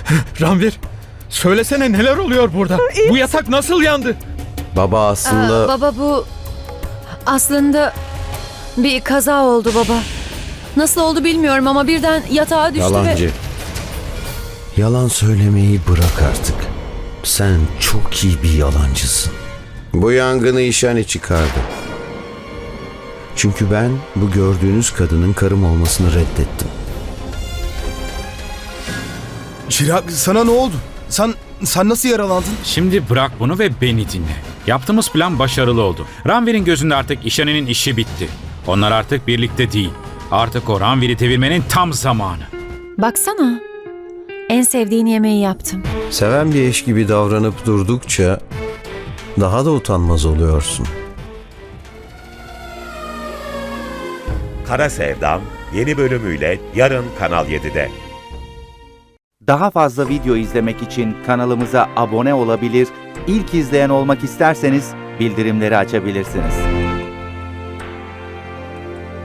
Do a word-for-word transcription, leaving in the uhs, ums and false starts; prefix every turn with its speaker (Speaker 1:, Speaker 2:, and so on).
Speaker 1: Ranvir, söylesene neler oluyor burada? Bu yatak nasıl yandı?
Speaker 2: Baba aslında...
Speaker 3: Aa, baba bu aslında bir kaza oldu baba. Nasıl oldu bilmiyorum ama birden yatağa düştü
Speaker 2: Yalancı.
Speaker 3: ve...
Speaker 2: Yalan söylemeyi bırak artık. Sen çok iyi bir yalancısın. Bu yangını İşani çıkardı. Çünkü ben bu gördüğünüz kadının karım olmasını reddettim.
Speaker 4: Çirag, sana ne oldu? Sen sen nasıl yaralandın?
Speaker 5: Şimdi bırak bunu ve beni dinle. Yaptığımız plan başarılı oldu. Ranvir'in gözünde artık İşani'nin işi bitti. Onlar artık birlikte değil. Artık o Ranvir'i devirmenin tam zamanı.
Speaker 3: Baksana. En sevdiğin yemeği yaptım.
Speaker 2: Seven bir eş gibi davranıp durdukça daha da utanmaz oluyorsun.
Speaker 6: Kara Sevdam yeni bölümüyle yarın Kanal yedide.
Speaker 7: Daha fazla video izlemek için kanalımıza abone olabilir, ilk izleyen olmak isterseniz bildirimleri açabilirsiniz.